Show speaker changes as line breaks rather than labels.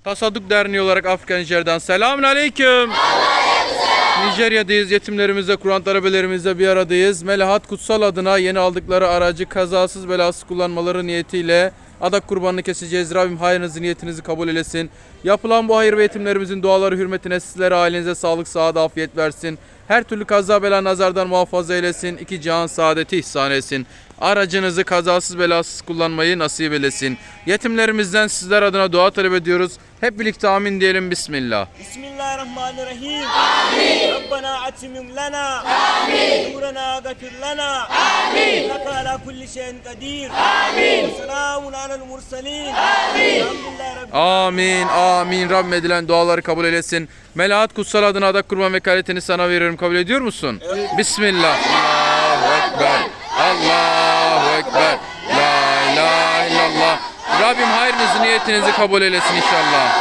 Tasadduk Derneği olarak Afrika Nijer'den selamun aleyküm. Nijerya'dayız. Yetimlerimizle, Kur'an talebelerimizle bir aradayız. Melahat Kutsal adına yeni aldıkları aracı kazasız belasız kullanmaları niyetiyle adak kurbanını keseceğiz. Rabbim hayrınızı, niyetinizi kabul eylesin. Yapılan bu hayır ve yetimlerimizin duaları hürmetine sizlere, ailenize sağlık, sıhhat, afiyet versin. Her türlü kaza bela nazardan muhafaza eylesin. İki cihan saadeti ihsan etsin. Aracınızı kazasız belasız kullanmayı nasip eylesin. Yetimlerimizden sizler adına dua talep ediyoruz. Hep birlikte amin diyelim. Bismillah.
Bismillahirrahmanirrahim. Amin. Rabbena atimim lana. Amin. Nurana gafir lana. Amin. İnneke ala kulli şeyin kadir. Amin. Selamun alel mursalin. Amin.
Amin, amin. Rabbim edilen duaları kabul eylesin. Melahat Kutsal adına adak kurban vekaletini sana veriyorum. Kabul ediyor musun? Evet. Bismillah. Allahu Ekber. Allahu Ekber. La ilahe illallah. Rabbim hayrınızı, niyetinizi kabul eylesin inşallah.